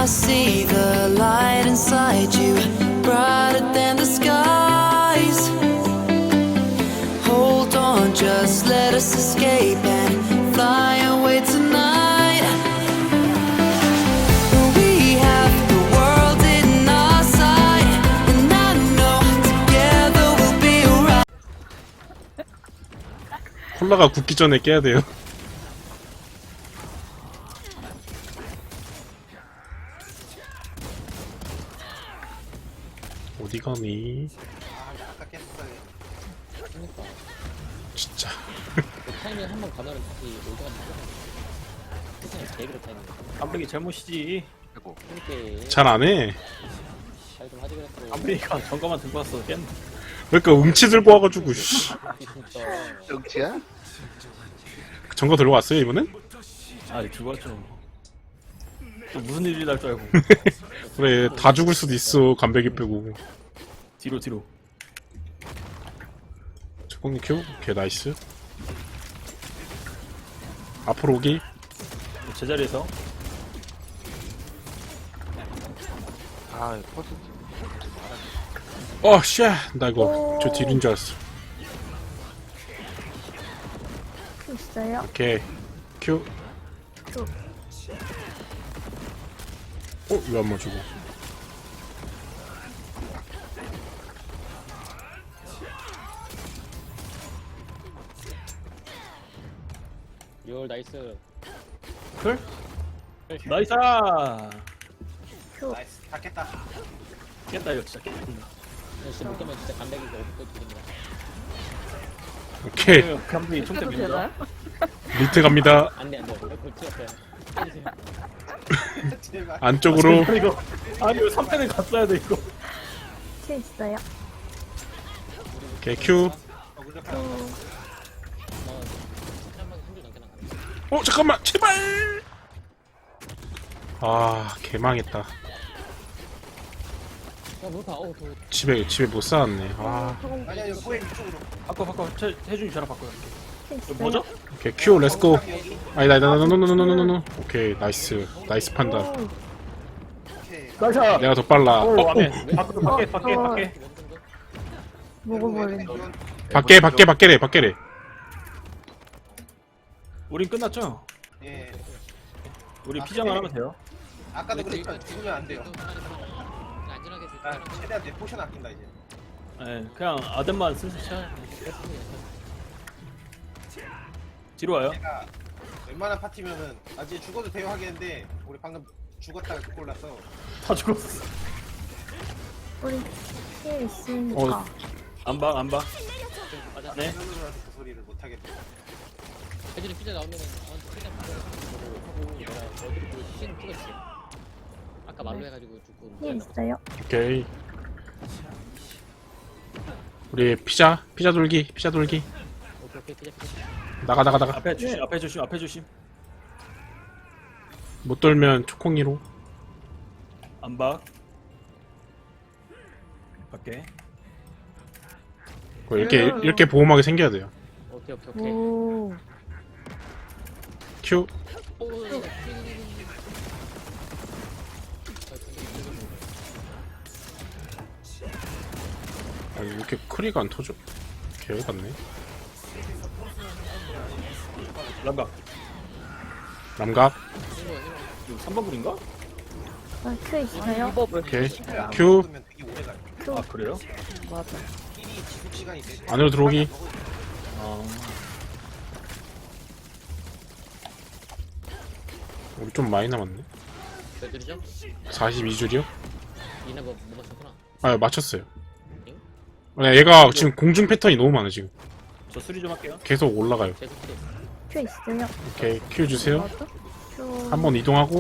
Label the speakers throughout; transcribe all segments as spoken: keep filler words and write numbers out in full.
Speaker 1: see the light inside you, brighter than the skies. Hold on, just let us escape and fly away tonight. We have the world in our sight, and I know together we'll be alright.
Speaker 2: 콜라가 굳기 전에 깨야 돼요. 어디 가니?
Speaker 3: 그러니까
Speaker 2: 진짜.
Speaker 3: 그 타이밍 한번 가면은 다시 올드가 되잖아. 세상에 제일 타이밍.
Speaker 4: 깜빡이 잘못이지.
Speaker 3: 그러니까
Speaker 2: 잘 안 해.
Speaker 3: 잘좀 하지 그랬어.
Speaker 4: 깜빡이가 전가만 들고 왔어. 깼네.
Speaker 2: 그러니까 음치 들고 와가지고 씨.
Speaker 3: 진짜.
Speaker 5: 정치야?
Speaker 2: 전거 들고 왔어요 이번엔?
Speaker 4: 아, 들고 왔죠. 또 무슨 일이 날 줄 알고.
Speaker 2: 그래 다 죽을 수도 있어 간배기 빼고.
Speaker 4: 뒤로 뒤로.
Speaker 2: 초콩님 큐? 오케이 나이스. 앞으로 오기.
Speaker 4: 제자리에서.
Speaker 5: 아, 퍼스.
Speaker 2: 어 쉣! 나 이거 저 딜인 줄 알았어.
Speaker 6: 있어요?
Speaker 2: 오케이 큐. 어? 왜 안 맞추고?
Speaker 3: 열 나이스.
Speaker 4: 클? 나이스!
Speaker 6: 큐.
Speaker 4: 다 깼다. 깼다, 이거 진짜 깼다.
Speaker 3: 역시 못 깨면 진짜 간백이가 없고 드립니다.
Speaker 2: 오케이
Speaker 4: 깜빡이 총대
Speaker 6: 해도
Speaker 4: 밀린다.
Speaker 6: 되나요?
Speaker 2: 밑에 갑니다.
Speaker 3: 안돼 안돼. 골 튀었어요. 때리세요.
Speaker 2: 안쪽으로.
Speaker 4: 아, 이거. 아니, 이거 삼 패는 갔어야 돼, 이거.
Speaker 6: 큐 있어요?
Speaker 2: 오케이 큐.
Speaker 3: 한줄 넘게 나가네.
Speaker 2: 어 잠깐만 제발. 아 개망했다.
Speaker 3: 야 못하. 어 더.
Speaker 2: 집에 집에 못 쌓았네. 아
Speaker 4: 아니야, 이거 꼬에 이쪽으로. 바꿔, 바꿔. 태, 태준이 저랑 바꿔요.
Speaker 6: 큐
Speaker 4: 이거
Speaker 6: 있어요?
Speaker 4: 뭐죠?
Speaker 2: 오케이 큐 렛츠고. 아니다 아니다 노노노노노노노. 오케이 나이스 나이스 판단.
Speaker 6: 오,
Speaker 4: 나이스!
Speaker 2: 내가 더 빨라.
Speaker 4: 오,
Speaker 2: 어,
Speaker 4: 와네.
Speaker 2: 어.
Speaker 4: 밖에, 밖에, 밖에,
Speaker 6: 어.
Speaker 4: 밖에.
Speaker 6: 먹어버린.
Speaker 2: 밖에 밖에 밖에래 밖에래.
Speaker 4: 우린 끝났죠?
Speaker 7: 예.
Speaker 4: 우리 피자만 하면 돼요.
Speaker 7: 아까도 그랬죠. 죽으면 안 돼요.
Speaker 3: 안전하게
Speaker 7: 아, 최대한 내 포션 아낀다 이제.
Speaker 4: 네, 그냥 아덴만 슬슬 쳐야 돼. 뒤로 와요.
Speaker 7: 내가 웬만한 파티면은 아 이제 죽어도 돼요 하겠는데 우리 방금 죽었다가 그 골라서
Speaker 4: 다 죽었어.
Speaker 6: 우리 힐 있으니까.
Speaker 2: 어.
Speaker 4: 안 봐, 안 봐. 네.
Speaker 7: 하늘로라서 그 소리를 못 하겠다.
Speaker 3: 예전에 피자 나오면은 저한테 피자 먹으라고 하고 내가 어디로 그 시신 찍었지. 아까 말로 해가지고 죽고.
Speaker 6: 힐 있어요?
Speaker 2: 오케이. 우리 피자 피자 돌기 피자 돌기.
Speaker 3: 오케이 오케이 피자 피자.
Speaker 2: 나가 나가 나가.
Speaker 4: 앞에 조심, 앞에 조심, 앞에 조심.
Speaker 2: 못 돌면 초콩이로.
Speaker 4: 안 봐. 밖에.
Speaker 2: 뭐 이렇게 이렇게 보호막이 생겨야 돼요.
Speaker 3: 오케이 오케이 오케이.
Speaker 6: 오.
Speaker 2: 큐.
Speaker 3: 오.
Speaker 2: 아 이렇게 크리가 안 터져. 개 같네.
Speaker 4: 람각.
Speaker 2: 남각.
Speaker 4: 이거 삼 번 불인가?
Speaker 6: 어, 큐 있어요?
Speaker 2: 오케이
Speaker 7: 안
Speaker 2: 큐.
Speaker 7: 먹으면 되게 오래 가요.
Speaker 4: 아, 그래요?
Speaker 6: 맞아.
Speaker 7: 힐이 지속 시간이 돼.
Speaker 2: 안으로 들어오기.
Speaker 4: 아.
Speaker 2: 우리 좀 많이 남았네.
Speaker 3: 몇 줄이죠?
Speaker 2: 사십이 줄이요?
Speaker 3: 이나 뭐 못 맞췄구나.
Speaker 2: 아 맞췄어요. 네, 얘가 지금 공중 패턴이 너무 많아 지금.
Speaker 4: 저 수리 좀 할게요.
Speaker 2: 계속 올라가요.
Speaker 3: 제 스킬이.
Speaker 6: 큐 있어요?
Speaker 2: 오케이 큐 주세요.
Speaker 6: 맞아? 큐.
Speaker 2: 한 번 이동하고.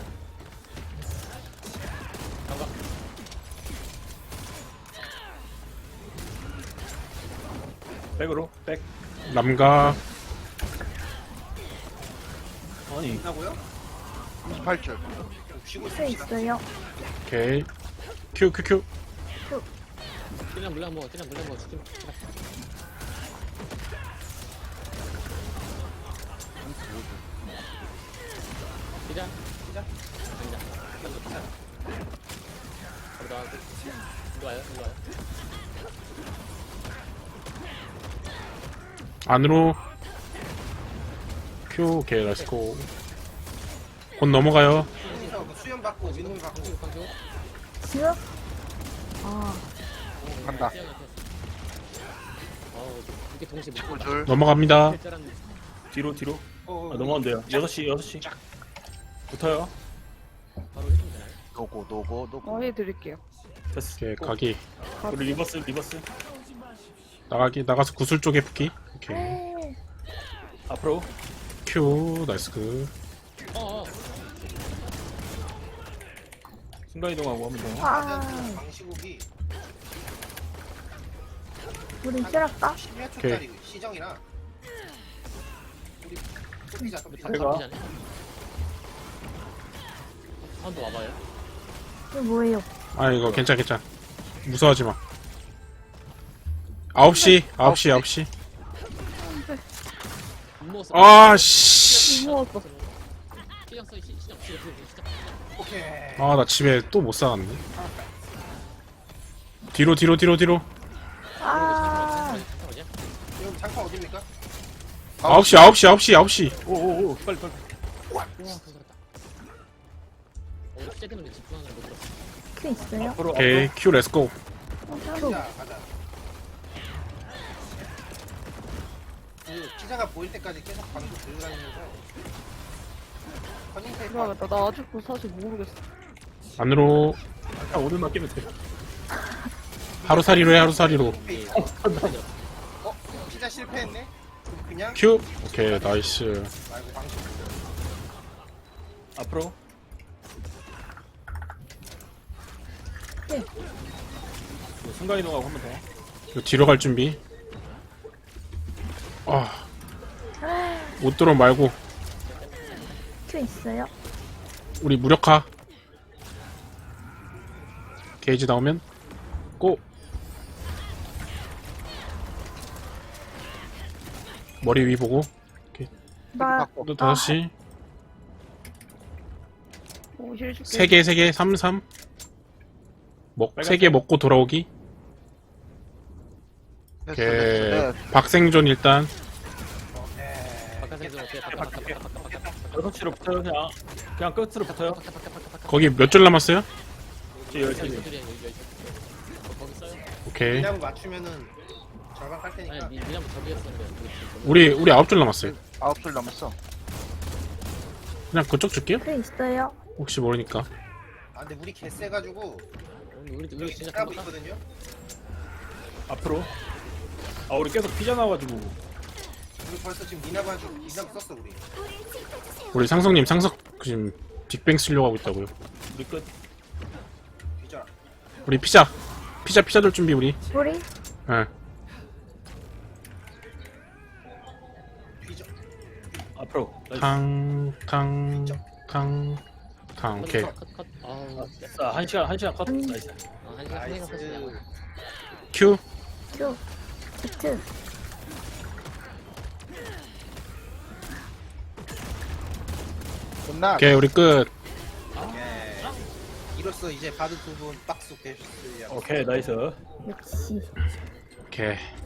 Speaker 4: 백으로, 백.
Speaker 2: 남각.
Speaker 4: 아니,
Speaker 7: 끝나고요?
Speaker 5: 이십팔 줄.
Speaker 7: 쉬고
Speaker 6: 큐
Speaker 7: 있습니다.
Speaker 6: 있어요?
Speaker 2: 오케이 큐 큐 큐.
Speaker 3: 그냥 물량 먹어 그냥 물량 먹어 죽지 마. 피자 피자 피자. 바로 나가고. 일로 와요, 일로 와요.
Speaker 2: 안으로. 큐. 오케이, 렛츠고. 곧 넘어가요.
Speaker 7: 여기서 그 수연 받고 민호이 받고
Speaker 3: 방주, 방주.
Speaker 6: 지금? 아,
Speaker 5: 간다.
Speaker 3: 어우, 이렇게 동시에 못 본다.
Speaker 5: 줄.
Speaker 2: 넘어갑니다.
Speaker 3: 할 줄 알았는데.
Speaker 4: 뒤로 뒤로.
Speaker 7: 어,
Speaker 4: 아 넘어간대요. 여섯 시 여섯 시. 붙어요.
Speaker 3: 바로 해주면 되나요?
Speaker 5: 노고 노고 노고.
Speaker 6: 어, 해드릴게요.
Speaker 4: 됐어.
Speaker 2: 오케이, 가기.
Speaker 4: 우리 리버스 리버스.
Speaker 2: 나가기. 나가서 구슬 쪽에 붙기. 오케이.
Speaker 6: 네.
Speaker 4: 앞으로.
Speaker 2: 큐. 나이스 그.
Speaker 3: 어어.
Speaker 4: 순간 이동하고 하면 돼요.
Speaker 6: 아,
Speaker 7: 방시국이
Speaker 6: 우리 실할까?
Speaker 7: 십여 초짜리 시정이라 우리 소피자 소피자
Speaker 4: 잘 가.
Speaker 3: 한번 더 와봐요.
Speaker 6: 이거 뭐예요?
Speaker 2: 아, 이거 괜찮, 괜찮. 무서워하지 마. 아홉 시, 아홉 시, 아홉 시.
Speaker 3: 못 먹었어.
Speaker 2: 아, 씨.
Speaker 6: 무서웠어.
Speaker 3: 시장 써, 시- 시장, 시장, 시장, 시장.
Speaker 7: 오케이
Speaker 2: 아, 나 집에 또 못 사갔네. 뒤로, 뒤로, 뒤로, 뒤로.
Speaker 6: 아,
Speaker 3: 어디야?
Speaker 7: 여기 장판 어딥니까?
Speaker 2: 아홉 시, 아홉 시, 아홉 시, 아홉 시.
Speaker 4: 오오오 빨리 빨리.
Speaker 3: 우와, 그거 그렇다. 어, 우리 시작 때문에 집중하느라 못 들었어.
Speaker 6: 큐 있어요?
Speaker 4: 앞으로
Speaker 2: 오케이, 큐, 렛츠고.
Speaker 6: 어, 큐.
Speaker 7: 가자 가자 그 기자가 보일 때까지 계속 방구 들고 다니면서 커닝 테이프
Speaker 6: 들어가겠다. 나 아직도 사실 모르겠어.
Speaker 2: 안으로.
Speaker 4: 아, 오늘만 끼면 돼.
Speaker 2: 하루살이로 해, 하루살이로.
Speaker 7: 페이지. 어? 피자 실패했네? 그럼 그냥
Speaker 2: 큐. 오케이, 나이스.
Speaker 7: 말고 방식
Speaker 4: 앞으로.
Speaker 6: 네.
Speaker 4: 뭐 순간 이동하고 하면 돼.
Speaker 2: 이거 뒤로 갈 준비. 아. 못 들어 말고.
Speaker 6: 큐 있어요?
Speaker 2: 우리 무력화. 게이지 나오면 고. 머리 위 보고.
Speaker 6: 나,
Speaker 2: 또 다섯 시.
Speaker 6: 오, 실 줄게.
Speaker 2: 세 개, 세 개, 삼, 삼. 먹, 세 개 먹고 돌아오기.
Speaker 5: 됐어
Speaker 2: 오케이.
Speaker 5: 됐어. 네.
Speaker 2: 박생존 일단.
Speaker 3: 바깥에서 어떻게 바깥, 바깥, 바깥, 바깥, 바깥, 바깥,
Speaker 4: 여섯 시로 붙어요. 그냥 그냥 끝으로 붙어요.
Speaker 3: 바깥, 바깥, 바깥, 바깥.
Speaker 2: 거기 몇 줄 남았어요?
Speaker 4: 이제 열세
Speaker 3: 여기
Speaker 4: 시.
Speaker 3: 저들이야, 여기, 여기. 어, 거기 써요?
Speaker 2: 오케이.
Speaker 7: 미나무 맞추면은 절반 깔 테니까
Speaker 3: 아니, 미- 미나무 저기였었는데. 거기 지금
Speaker 2: 우리, 우리 아홉 줄 남았어요.
Speaker 5: 아홉 줄 남았어.
Speaker 2: 그냥 그쪽 줄게요?
Speaker 6: 큐 있어요?
Speaker 2: 혹시 모르니까.
Speaker 7: 아 근데 우리 개 세가지고
Speaker 3: 우리, 우리, 우리
Speaker 7: 여기
Speaker 3: 진짜
Speaker 7: 하고
Speaker 3: 금방
Speaker 7: 있거든요?
Speaker 4: 앞으로. 아 우리 계속 피자 나와가지고.
Speaker 7: 우리 벌써 지금 미나무 한줄 미나무 썼어 우리
Speaker 2: 우리 상성님 상석 지금 빅뱅 쓰려고 하고 있다고요.
Speaker 4: 우리 끝.
Speaker 7: 뒤져라
Speaker 2: 우리 피자. 피자, 피자 돌 준비, 우리.
Speaker 6: 우리?
Speaker 2: 예.
Speaker 7: 뒤져
Speaker 4: 앞으로. 나이스.
Speaker 2: 탕, 탕, 탕, 탕. 오케이.
Speaker 3: 컷, 컷, 컷. 아우,
Speaker 4: 자, 한 시간 한 시간 컷.
Speaker 6: 음.
Speaker 4: 나이스.
Speaker 3: 아, 한 시간 생각 컷이냐.
Speaker 7: 나이스
Speaker 2: 큐.
Speaker 6: 큐. 비트.
Speaker 5: 끝나.
Speaker 2: 오케이, 우리 끝.
Speaker 7: 예. 이로써 이제 바드 두 분 박수 되셨으려
Speaker 4: 오케이 나이스.
Speaker 6: 역시.
Speaker 2: 오케이.